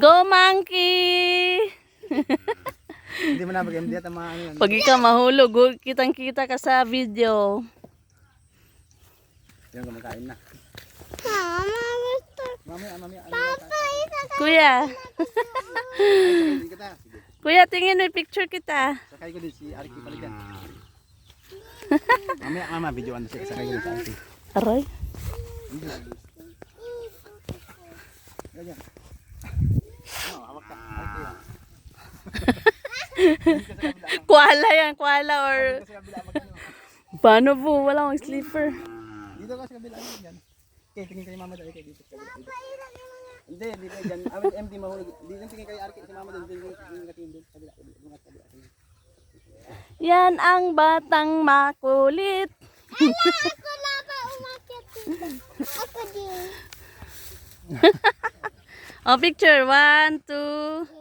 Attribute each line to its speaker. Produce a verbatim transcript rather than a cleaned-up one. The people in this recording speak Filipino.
Speaker 1: Go monkey!
Speaker 2: Hindi mo na mag-M D at mga ano yan.
Speaker 1: Pag ikaw mahulog, gu- kitang-kita ka sa video.
Speaker 2: Yan, kumakain na.
Speaker 3: Mama, gusto.
Speaker 2: Mamaya, mamaya. Ano
Speaker 3: Papa, isa ka.
Speaker 1: Kuya,
Speaker 2: Sakay kita. Sige.
Speaker 1: kuya, tingin may picture kita.
Speaker 2: Sakay ko din si Arki pala dyan. Mamaya, mama, videoan na siya. Sakay ko din si Arki.
Speaker 1: Aray.
Speaker 2: Ganyan. Ano, hawak ka. Arki yan.
Speaker 1: Kuala yan, kuala or...
Speaker 2: Sa kabila, mag-ano.
Speaker 1: Paano po? Wala akong sleeper.
Speaker 2: Dito ka sa kabila. Ano yan? Okay, tingin kayo mama dali kayo dito sa kabila. Hindi, hindi kayo dyan. Awit M D mahulog. Dito tingin kayo Arki. Si mama dun. Dito tingin ka tingin dun. Kabila. Kabila. Kabila.
Speaker 1: Yan ang batang makulit.
Speaker 3: Ako na ba umakyat dito? Ako din.
Speaker 1: O, picture. One, two.